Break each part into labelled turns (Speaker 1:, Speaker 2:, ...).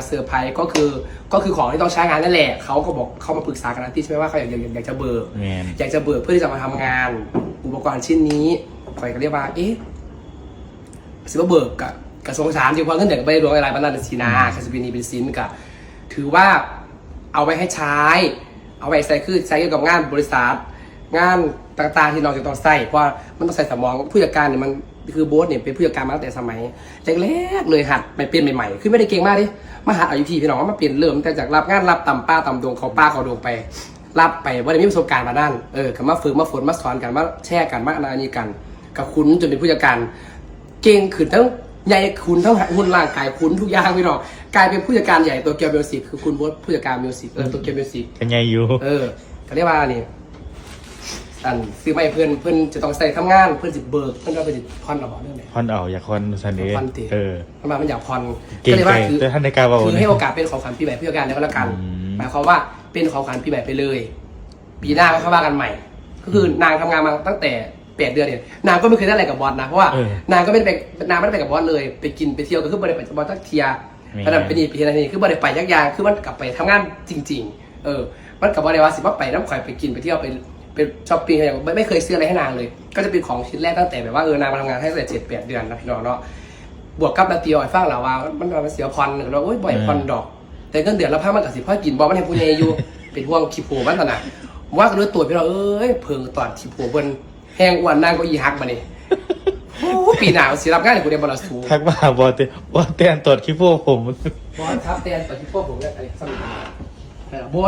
Speaker 1: เซอร์ไพรส์ก็คือของที่ต้องใช้งานนั่นแหละเขาก็บอกเขามาปรึกษากันนะที่ใช่ไหมว่าเขาอยากจะเบิกอยากจะเบิกเพื่อที่จะมาทำงานอุปกรณ์ชิ้นนี้คอยก็เรียกว่าสิว่าเบิกกับกระทรวงสาธารณสุขจริงๆเพราะเงินเด็กไม่ได้รวมอะไรบ้านนั่นสินะคาสบินีเป็นสินกับถือว่าเอาไว้ให้ใช้เอาไว้ใส่คือใช้เกี่ยวกับงานบริษัทงานต่างๆที่เราจะต้องใส่เพราะมันต้องใส่สมองผู้จัดการเนี่ยมันคือโบ๊ทเนี่ยเป็นผู้จัดการมาตั้งแต่สมัยแรกๆเลยหัดไปเปลี่ยนใหม่ๆคือไม่ได้เก่งมากดิมาหัดอายุพี่น้องว่ามาเปลี่ยนเริ่มแต่จากรับงานรับตำป้าตำดวงเขาป้าเขาดวงไปรับไปว่าได้มีประสบการณ์มาด้านกับมาฝึกมาฝนมาสอนกันมาแช่กันมาอะไรนี้กันกับคุณจนเป็นผู้จัดการเก่งขึ้นทั้งใหญ่คุณทั้งหุ่นร่างกายคุณทุกอย่างพี่น้องกลายเป็นผู้จัดการใหญ่ตัวเกียวมิวสิกคือคุณโบ๊ทผู้จัดการมิวสิกตัวเกียวมิวสิก
Speaker 2: เป็นไงอยู่
Speaker 1: เขาเรียกว่านี่ซื้อไม่เพื่อนจะต้องใส่ทำงานเพื่อนสิเบิกเพื่อนก็ไปพอนเอาเรื่องไหน
Speaker 2: พอนเอาอยากพอนสันนี้
Speaker 1: ทำไมมันอยากพอน
Speaker 2: ก็เลยว่าคือท่านในการบอก
Speaker 1: คือให้โอกาสเป็นของขวัญปีใหม่ผู้จัดการแล้วก็แล้วกันหมายความว่าเป็นของขวัญปีใหม่ไปเลยปีหน้าก็เข้าว่ากันใหม่ก็คือนางทำงานมาตั้งแต่8 เดือนเนี่ยนางก็ไม่เคยได้อะไรกับบอสนะเพราะว่านางก็ไม่ได้ไปกับบอสเลยไปกินไปเที่ยวก็คือบริษัทบอสทักเทียขนาดเป็นอีพีนาทีคือบริษัทไปยักยางคือมันกลับไปทำงานจริงๆมันกับบริษัทสิว่าไปน้ำข่อยไปกินไปเที่ยวไปช้อปปิ้งอะไรอย่างไม่เคยซื้ออะไรให้นางเลยก็จะเป็นของชิ้นแรกตั้งแต่แบบว่านางมาทำงานให้ตั้งแต่7-8 เดือนนะพี่น้องเนาะบวกกับนาตีอ้อยฟังเราว่ามันเสียพรเราบ่อยพรดอกแต่เงินเดือนเราพักมันกับสิพ่อกินบอมันให้ผู้ใหญ่อยู่เป็นห่วงขี้โผล่บ้านตนาว่ากันด้วยตัวพี่เราเพิ่งตอดขี้โผล่บนแห้งอ้วนนางก็อีฮักมาเนี่ยปีหนาวสิรับงานในกูเดียบอลสู
Speaker 2: ทักมาบอสเตียนตรวจขี้โพผม
Speaker 1: บอสครับเตียนตรวจขี้โพผมเนี่ยอะไรสมิธบอ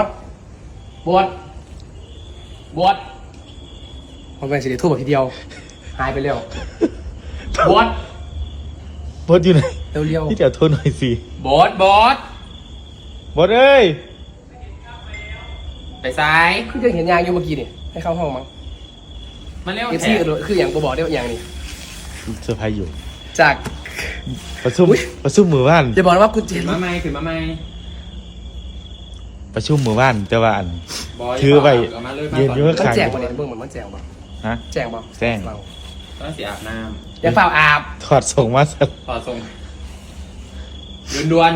Speaker 1: สมันเป็นสิ่งที่ทั่วไปทีเดียวหายไปเร็วบอส
Speaker 2: อยู่ไหน
Speaker 1: เร็ว
Speaker 2: ที่เดี๋ยวโทรหน่อยสิ
Speaker 1: บอส
Speaker 2: เอ้ย
Speaker 1: ไปซ้ายคือจะเห็นยางอยู่เมื่อกี้นี่ให้เข้าห้องมั้งมาเร็วแท้คืออย่างบอกได้ว่าอย่างนี้
Speaker 2: เซอร์ไพรส์อยู่
Speaker 1: จาก
Speaker 2: ประชุมมือบ้าน
Speaker 1: จะบอกว่าคุณเจน
Speaker 3: มาไม่ขึ้นมาไม่
Speaker 2: ประชุมมือบ้านแต่ว่าอันถือไป
Speaker 1: เย็นเยอะขายมันแจงบ่เนี่ยเบื้องเหมือนมันแจงบ่แจงบ่
Speaker 3: ต้องสีอาบน้ำ
Speaker 1: อย่าเฝ้าอาบ
Speaker 2: ถอดส่งมาสัก
Speaker 3: ถอดส่งดวน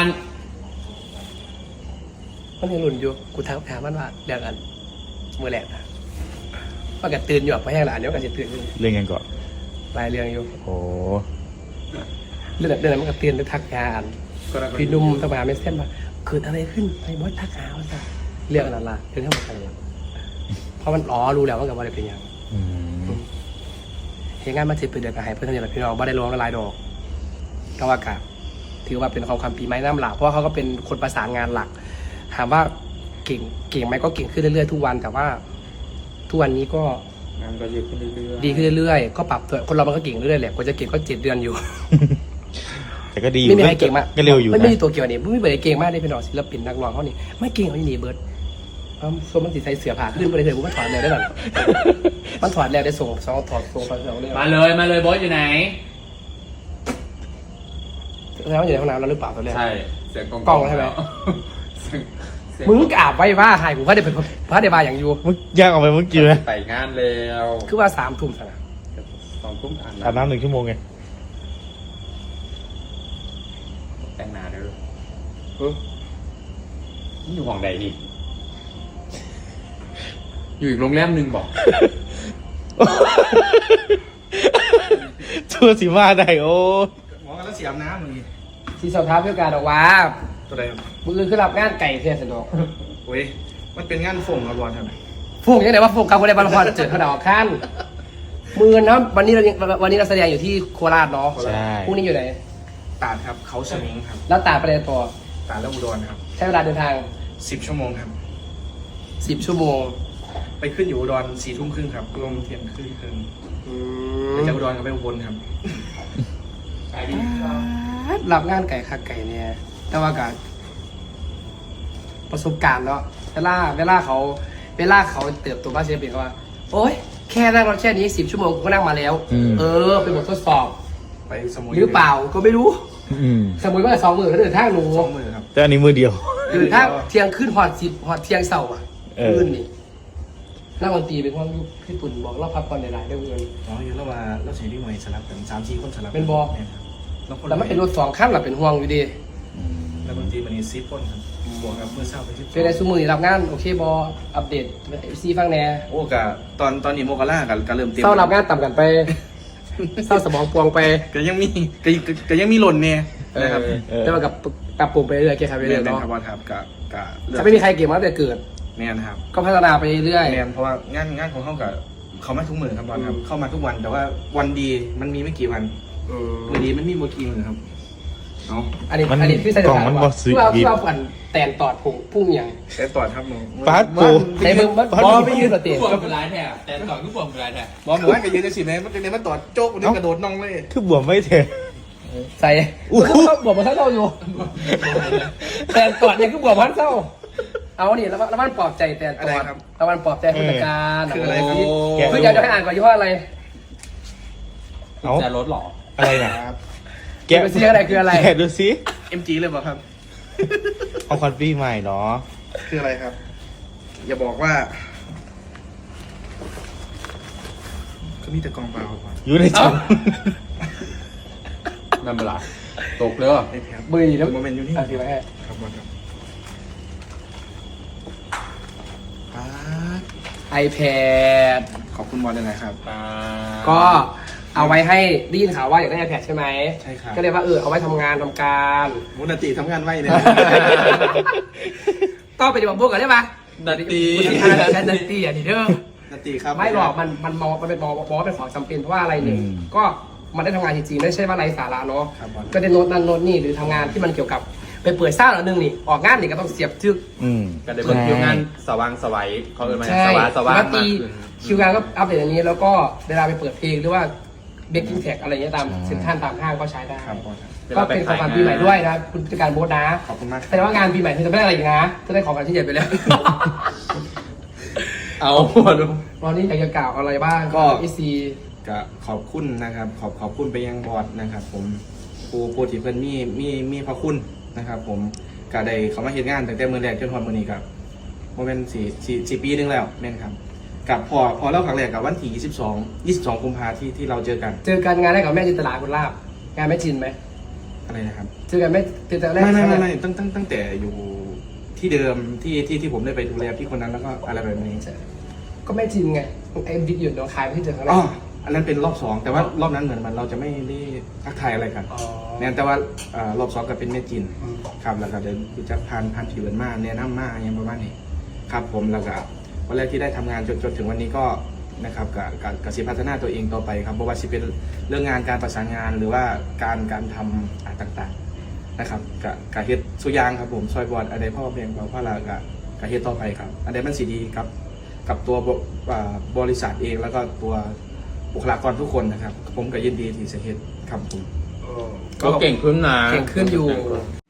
Speaker 1: มันยังหลุนอยู่กูถามมันว่าเรื่องอันมือแหลกนะว่ากันตื่นอยู่เพราะแห้งหลานเดี๋ยวกันจะตื่นอยู่
Speaker 2: เรื่องกันก่อน
Speaker 1: รายเรื่องอยู่
Speaker 2: โอ้
Speaker 1: เรื่องนั้นมันก็ตื่นด้วยทักยาอันพี่นุ่มตะบาไม่เส้นว่าเกิดอะไรขึ้นไอ้บอสทักหาว่าจะเรื่องนั้นล่ะเรื่องทั้งหมดอะไรเพราะมันรู้แล้วว่ากับว่าอะไรเป็นอย่างเหตุงานมา10 ปีเดือนกับหายเพื่อนทั้งอย่างพี่น้องบ่ได้ร้องละลายดอกก็ว่ากะถือว่าเป็นความปีไม้น้ำหลักเพราะว่าเขาก็เป็นคนประสานงานหลักถามว่าเก่งไหมก็เก่งขึ้นเรื่อยๆทุกวันแต่ว่าทุกวันนี้ก็
Speaker 3: งานก็ดีขึ้นเรื่อย
Speaker 1: ๆดีขึ้นเรื่อยๆก็ปรับตัวคนเรามันก็เก่งเรื่อยๆแหละกว่าจะเก่งก็7 เดือนอยู่
Speaker 2: แต่ก็ดี
Speaker 1: ไม่มีใครเก่งมาก
Speaker 2: ก็เร็วอยู่
Speaker 1: ไม่มีตัวเกี่ยวนี่ไม่มีใครเก่งมากได้เป็นหน่อศิลปินนักร้องเขานี่ไม่เก่งเขานี่เบิร์ดส่วนมันติดใส่เสือผ่าขึ้นไปเลยผมมันถอดแล้วได้หรอมันถอดแล้วได้ส่งถอดเลย
Speaker 3: มาเลยบอสอยู่ไหน
Speaker 1: แล้วอยู่ในห้องน้ำแล้วหรือเปล่าตอนแรก
Speaker 3: ใช่เสียง
Speaker 1: กล้องใช่ไหมมึงกอาบไว้ว่าหายกูพระเดชพระเดบาอย่างอยู่
Speaker 2: มึงย่างออกไปมึงกี่ไหม
Speaker 3: ไปงานแล้ว
Speaker 1: คือว่า3 ทุ่มสินะ
Speaker 3: 2 ทุ่ม
Speaker 2: อาบน้ำ1 ชั่วโมงไง
Speaker 3: แต่งหน้าเด้อนี่อยู่ห้องใดนี่อยู่อีกโรงแรมนึงบอก
Speaker 2: ชั่วสีมาได้โอ้
Speaker 3: หมอกันแล้วเสียน้ำเลย
Speaker 1: ที่สอบท้าเพื่อการออกว่า
Speaker 3: ตัวใด
Speaker 1: มือคือรับงานไก่เทียนสะดวก
Speaker 3: โอ้ยมันเป็นงานส่งกับบอลทำไม
Speaker 1: ฝุ่งยังไงว่าฝุ่งกับคนในบอลพอเจอเขาดาวขั้นมือนะวันนี้เราแสดงอยู่ที่โคราชเนาะพรุ่งนี้อยู่ไหน
Speaker 3: ตาดครับเขาสมิงครับ
Speaker 1: แล้วตาดไปไหนต่อ
Speaker 3: ตาดแล้วอุดรครับ
Speaker 1: ใช้เวลาเดินทาง
Speaker 3: 10 ชั่วโมงครับ
Speaker 1: 10 ชั่วโมง
Speaker 3: ไปขึ้นอยู่อุดร4 ทุ่มครึ่งครับลงเที่ยงคืนไปจากอุดรกับไปอุบลครับ
Speaker 1: รับงานไก่คักไก่เนี่ยแต่ว่าการประสบการณ์เนาะเวลาเขาเติบโตมาเสียเปลี่ยนว่าโอ๊ยแค่นั่งรถแค่นี้10 ชั่วโมงก็นั่งมาแล้วเป็นบททดสอบ
Speaker 3: ไปสมุย
Speaker 1: หรือเปล่าก็ไม่รู้สมุยว่า2 มื้อเขาเดินทางหนู
Speaker 3: 2 มื้อครับ
Speaker 2: แต่อันนี้มือเดียว
Speaker 1: เดินทางเที่ยงขึ้นหอดเที่ยงเสาร์อ่ะขึ้นนี่นักดนตรีเป็นความพี่ตุ่นบอกเราพักผ่อนหลายๆได้เงิน
Speaker 3: อยู่แล้วว่าเราเสียดีหน่วยสลับกัน3-4 คนสลับ
Speaker 1: เป็นบอกแล้วมันเป็นรถ2 คันหรอเป็นห่วงอยู่ดี
Speaker 3: แล้วนักดนตรีมันนี่10 คนครับบวกกับมือเศร้าไป10
Speaker 1: เป็นในซูมือนี่รับงานโอเคบออัปเดตซีฟังแน่
Speaker 3: โอ้กะตอนนี้โมกาล่าก็เริ่มเต็ม
Speaker 1: เศร้ารับงานต่ำกันไป เศร้าสมองปวงไป
Speaker 3: ก็ยังมีก็ยังมีหล่นเนี่ยนะครับ
Speaker 1: แต่ว่ากับปรับปรุงไปเรื่อยๆแก้ไขไป
Speaker 3: เรี
Speaker 1: เรื่
Speaker 3: ย
Speaker 1: อน ยๆ
Speaker 3: เป็น
Speaker 1: เนาะ
Speaker 3: ครับว่าครับกะ
Speaker 1: ถ้าไม่มีใครเก่งมาตั้งแต่เกิด
Speaker 3: แม่นครับ
Speaker 1: ก็พัฒนาไปเรื่อย
Speaker 3: แม่นเพราะว่างานของเขากับเขามาทุกมื้อครับบอลครับเข้ามาทุกวันแต่ว่าวันดีมันมีไม่กี่วัน
Speaker 1: ๆ
Speaker 3: วันดีมันมีโมกี่มื้อครับเอา
Speaker 1: อันนี้
Speaker 2: มัน
Speaker 1: อันนี้พี่ใส่
Speaker 2: กล่องมันบ่ซื้อ
Speaker 1: ที่เราฝันแตนตอดผงพุ่งอย่าง
Speaker 3: แต่ต่อครับมึง
Speaker 2: ฟาสต์ฟู้ด
Speaker 1: ในมึงมันบอลไม่ยืนสติ
Speaker 4: ผู้บวมเป็นไรแท้แต่ก่อนผู้บวมเป็นไรแท้
Speaker 3: บอลหมู่บ้านก็ยืนในสิแม่มันเป็นมันต่อโจ๊กมันกระโดดน่องเลย
Speaker 2: คือบวมไม่เถอะ
Speaker 1: ใส่บอกมาเท่าอยู่แตนตอดเนี่ยคือบอกมันเท่าเอานี่แล้วมันปลอบใจแตนตอดแล้วมันปลอบใจผู้จัดการ
Speaker 3: คืออะไรครับ
Speaker 1: คืออยากจะให้อ่านก่อนยี่ห้ออะไร
Speaker 2: เอา
Speaker 4: จะลดหรอ
Speaker 2: อะไรนะ
Speaker 1: แกะเสียอะไรคืออะไร
Speaker 2: แกะดูสิ
Speaker 3: MG เลยเปล่าครับ
Speaker 2: เอาคอนฟี่ใหม่เนาะ
Speaker 3: คืออะไรครับ อย่าบอกว่าก็มีแต่กองเปล่าครับ
Speaker 2: อยู่ในถุง
Speaker 4: นั่นเป็นไรตกเลย
Speaker 3: ไอ้แพบ
Speaker 1: มือดีแล้ว
Speaker 3: โมเมนต์อยู่นี่
Speaker 1: อ่ะถือไว้ให้
Speaker 3: ครับบอลครับ
Speaker 1: iPad
Speaker 3: ขอบคุณบอลเลยนะครับ
Speaker 1: ก็เอาไว้ให้ได้ยินข่าวว่าอยากได้ iPad ใช่ไหม
Speaker 3: ใช่ครับ
Speaker 1: ก็เลยว่าเอาไว้ทำงานทำการ
Speaker 3: มุนติทำงานไว้เนี่ย
Speaker 1: ก็ไปดีบอกพวกกันได้ปะ
Speaker 4: ดัตตี
Speaker 1: ดันตีอ่ะดีเด้อ
Speaker 3: นติครับ
Speaker 1: ไม่หรอกมันมองมันเป็นมองว่าเป็นของจำเป็นเพราะว่าอะไรหนึ่งก็มันได้ทำงานจริงๆไม่ใช่ว่าไร้สาระเนาะ
Speaker 3: ครับบอล
Speaker 1: ก็ได้โน้ตนั่นโน้ตนี่หรือทำงานที่มันเกี่ยวกับไปเปิดซ่าหน่อยนึงนี่ออกงานนี่ก็ต้องเสียบทึก
Speaker 4: กันได้เบิ่งคิวงานสว่างสวัยเขาเอิ้นมา
Speaker 1: ใช่
Speaker 4: สว่าง
Speaker 1: ป
Speaker 4: มาก ก
Speaker 1: ติ
Speaker 4: ขึ้น
Speaker 1: คิวงานก็อัปเดตอันนี้แล้วก็เวลาไปเปิดเพลงหรือว่าเบกกิ้งแท็กอะไรเงี้ยตามเซ็นทรัลตามห้างก็ใช้ได้
Speaker 3: ครับบอลครับ
Speaker 1: ก็เป็นของขวัญปีใหม่ด้วยนะคุณจัดการโบสนะ
Speaker 3: ขอบคุณมาก
Speaker 1: แต่ว่างานปีใหม่เธอจะไม่ได้อะไรอีกนะเธอได้ของขวัญที่ใหญ่ไปแล้ว
Speaker 4: เอามาดู
Speaker 1: วันนี้อยากจะกล่าวอะไรบ้าง
Speaker 3: ก็
Speaker 1: อีซี
Speaker 3: ก็ขอบคุณนะครับ ขอบคุณไปยังบอร์ดนะครับ ผมผู้ที่เพิ่นมีพระคุณนะครับ ผมก็ได้เขามาเฮ็ดงานตั้งแต่มื้อแรกจนถึงมื้อนี้ครับโมเมนต์4 ปีนึงแล้วแม่นครับกับพอเล่าครั้งแรกกับวันที่22กุมภาที่เราเจอกัน
Speaker 1: เจอกันงานได้กับแม่จินตลาคุณลาบงานแม่จินไหม
Speaker 3: อะไรนะครับ
Speaker 1: เจอกันแม่เจอกันแรก
Speaker 3: ไม่ตั้งแต่อยู่ที่เดิมที่ผมได้ไปดูแลพี่คนนั้นแล้วก็อะไรแบบนี้
Speaker 1: ก็แม่จินไงไอ้บิ๊กหยุดหนองคายที่เจอครั้งแร
Speaker 3: อ๋อก อันนั้นเป็นรอบ2แต่ว่ารอบนั้นเหมือนมันเราจะไม่ได้ทักทายอะไรกัน
Speaker 1: อ๋อ
Speaker 3: เนี่ยแต่ว่ารอบ2ก็เป็นแม่จินครับแล้วก็เดินรู้จักผ่านผิวมาแนะนำมาอย่างประมาณนี้ครับผมแล้วก็วันแรกที่ได้ทำงานจนถึงวันนี้ก็นะครับกับสิพัฒนาตัวเองต่อไปครับเพราะว่าสิเป็นเรื่องงานการประสานงานหรือว่าการทำต่างๆนะครับกับเฮ็ดสุยางครับผมซอยบอดอะไรพ่อเพียงพ่อละกับเฮ็ดต่อไปครับอันใดมันสีดีครับกับตัวบริษัทเองแล้วก็ตัวบุคลากรทุกคนนะครับผมก็ยินดีที่จะเฮ็ดครับผม
Speaker 4: ก็เก่งขึ้นนะ
Speaker 1: เก่งขึ้นอยู่